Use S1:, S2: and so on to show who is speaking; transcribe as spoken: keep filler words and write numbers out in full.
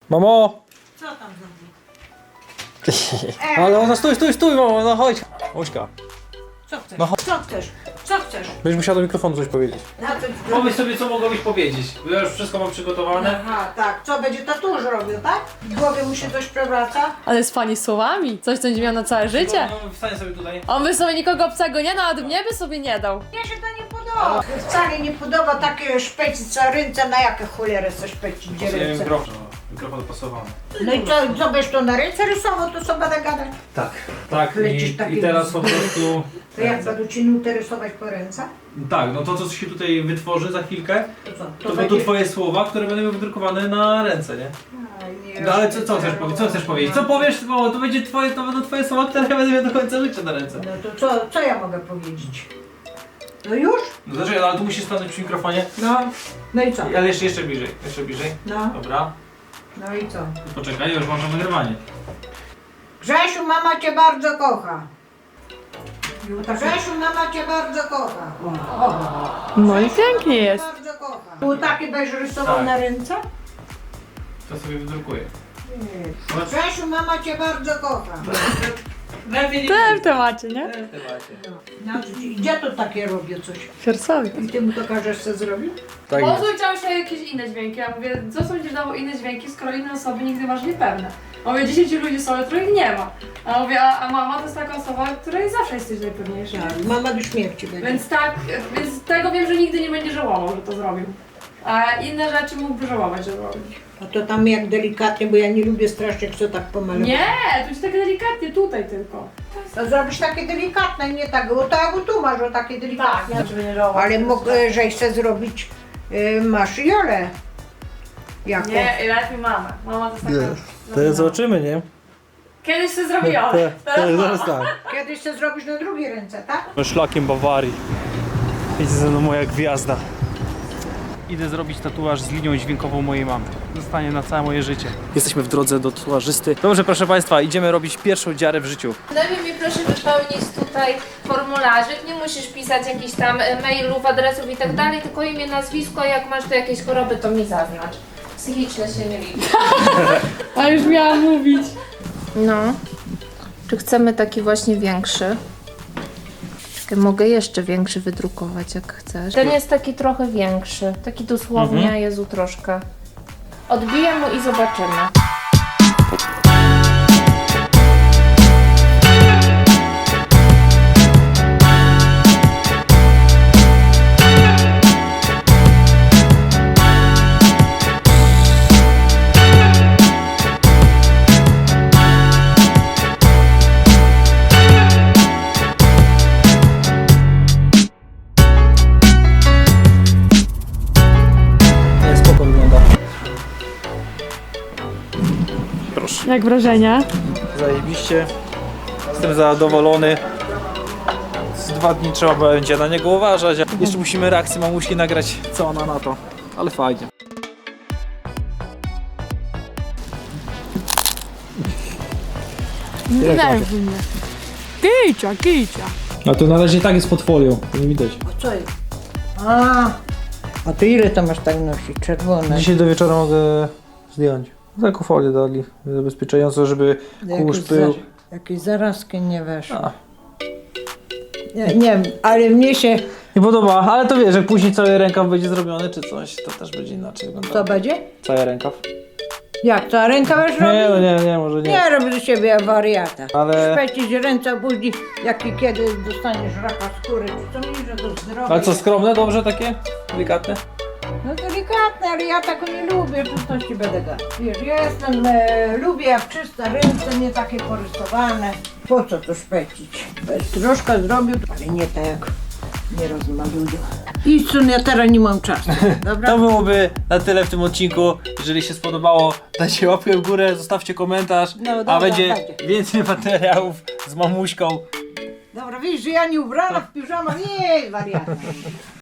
S1: Mamo!
S2: Co tam zrobił?
S1: Ale ona stój, stój, stój, mamo, no chodź. Ośka,
S2: Co chcesz?
S1: No chodź.
S2: Co chcesz? Co chcesz?
S1: będziesz musiała do mikrofonu coś powiedzieć.
S2: Na co ci
S3: Pomyśl sobie, co mogłabyś powiedzieć, bo ja już wszystko mam przygotowane.
S2: Aha, tak. Co będzie tatuaż robił, tak? W głowie mu się coś przewraca?
S4: Ale z pani słowami. Coś, co będzie miał na całe życie.
S3: No, wstań sobie tutaj.
S4: On by sobie nikogo obcego nie dał, nawet mnie by sobie nie dał.
S2: Mnie się to nie podoba. Wcale nie podoba takie szpecić co ręce, na jakie cholery coś szpecić, gdzie
S3: Pasuje
S2: ręce.
S3: mikrofon, mikrofon dopasowany.
S2: No i co, co będziesz to na ręce rysował, to co będę gadać?
S3: Tak. Tak,
S2: Lecisz
S3: i,
S2: taki-
S3: i teraz po prostu...
S2: To jak będę ci nutę rysować po ręce?
S3: Tak, no to co się tutaj wytworzy za chwilkę,
S2: To co?
S3: to będą twoje słowa, które będą wydrukowane na ręce, nie?
S2: Aj, nie
S3: No ale co, co
S2: rozumiem.
S3: chcesz powiedzieć? Co chcesz powiedzieć? Co powiesz? Bo to będzie twoje, to będą twoje słowa, które ja będę miał do końca życia na ręce.
S2: No to co, co ja mogę powiedzieć? No już?
S3: No znaczy, ale tu musisz stanąć przy mikrofonie.
S2: No. No i co?
S3: Ale jeszcze, jeszcze bliżej, jeszcze bliżej.
S2: No.
S3: Dobra.
S2: No i co?
S3: Poczekaj, ja już włączam nagrywanie.
S2: Grzesiu, mama cię bardzo kocha. Grzesiu, mama cię bardzo kocha.
S4: No i pięknie jest.
S2: Bardzo kocha. Tu taki będziesz rysował
S3: Tak.
S2: na ręce?
S3: To sobie wydrukuję.
S2: Nie. Grzesiu, mama cię bardzo kocha.
S3: Lepiej nie
S4: Tyle w temacie, nie?
S3: w temacie.
S2: Znaczy, gdzie to takie robię coś?
S4: Fiersowi.
S2: I ty mu to każesz co zrobić?
S1: Tak
S4: Po
S1: jest.
S4: co chciał się jakieś inne dźwięki? Ja mówię, co są będziesz dawał inne dźwięki, skoro inne osoby nigdy masz niepewne. A mówię, dziesięciu ludzi są, których nie ma. A mówię, a, a mama to jest taka osoba, której zawsze jesteś najpewniejsza.
S2: Tak, mama do śmierci będzie.
S4: Więc tak, więc tego wiem, że nigdy nie będzie żałował, że to zrobił. A inne rzeczy mógłby żałować, że robił.
S2: A to tam jak delikatnie, bo ja nie lubię strasznie, jak co tak pomalować.
S4: Nie, to jest tak delikatnie, tutaj tylko.
S2: To zrobisz takie delikatne, nie tak, bo tak jak tu masz, o takie
S4: Tak,
S2: delikatne.
S4: żeby nie żałować.
S2: Ale mogę, że chcę zrobić, y, masz Jolę. Jako.
S4: Nie, lepiej mama. Mama to jest taka...
S1: To jest zobaczymy, nie?
S4: Kiedyś się zrobiła,
S1: Te-
S4: teraz
S1: te-
S4: mama.
S1: Zaraz tak.
S2: Kiedyś chcę zrobić na drugiej ręce, tak?
S3: Szlakiem Bawarii. Idzie ze mną moja gwiazda. Idę zrobić tatuaż z linią dźwiękową mojej mamy. Zostanie na całe moje życie. Jesteśmy w drodze do tatuażysty. Dobrze, proszę Państwa, idziemy robić pierwszą dziarę w życiu.
S5: Najpierw mi proszę wypełnić tutaj formularzyk, nie musisz pisać jakichś tam e, mailów, adresów i tak dalej, tylko imię, nazwisko, jak masz tu jakieś choroby, to mi zaznacz. Psychiczne się nie liczy.
S4: A już miałam mówić.
S5: No. Czy chcemy taki właśnie większy? Czekaj, mogę jeszcze większy wydrukować, jak chcesz. Ten jest taki trochę większy, taki dosłownie,
S3: Mhm.
S5: Jezu, troszkę. Odbiję mu i zobaczymy.
S1: Nie, spoko wygląda.
S3: Proszę.
S4: Jak wrażenia?
S3: Zajebiście. Jestem zadowolony. Z dwa dni trzeba będzie na niego uważać. Jeszcze musimy reakcję mamusi nagrać, co ona na to. Ale fajnie.
S4: Nerwy mnie. Kicia, kicia.
S1: A to na razie tak jest pod folią, to nie widać.
S2: A co jest? A, a to ile to masz tak nosić? Czerwone.
S1: Dzisiaj do wieczora mogę zdjąć. Taką folię dali, zabezpieczającą, żeby kurz
S2: Jakieś,
S1: był.
S2: za, jakieś zarazki nie weszły.
S1: A.
S2: Nie, nie wiem, ale mnie się...
S1: Nie podoba, ale to wiesz, jak później cały rękaw będzie zrobiony czy coś, to też będzie inaczej
S2: Co
S1: wyglądało.
S2: będzie?
S1: Cały rękaw?
S2: Jak to? A ręka będziesz
S1: Nie, no
S2: robić?
S1: nie, nie, może nie.
S2: Nie rób z siebie wariata.
S1: Ale-
S2: Szpecić ręce, a później jak i kiedy dostaniesz raka skóry, czy co mi, że to zdrowe.
S1: Ale co, skromne, dobrze takie? Delikatne?
S2: No delikatne, ale ja tak nie lubię, to coś ci będę gadać. Wiesz, ja jestem, e, lubię jak czyste ręce, nie takie porysowane. Po co to szpecić? Troszkę zrobił, ale nie tak jak nie rozmaluję. I co, ja teraz nie mam czasu, dobra?
S3: To byłoby na tyle w tym odcinku. Jeżeli się spodobało, dajcie łapkę w górę, zostawcie komentarz,
S2: No dobra,
S3: a będzie
S2: będzie.
S3: więcej materiałów z mamuśką.
S2: Dobra, widzisz, że ja nie ubrana w piżamę, nie, wariata.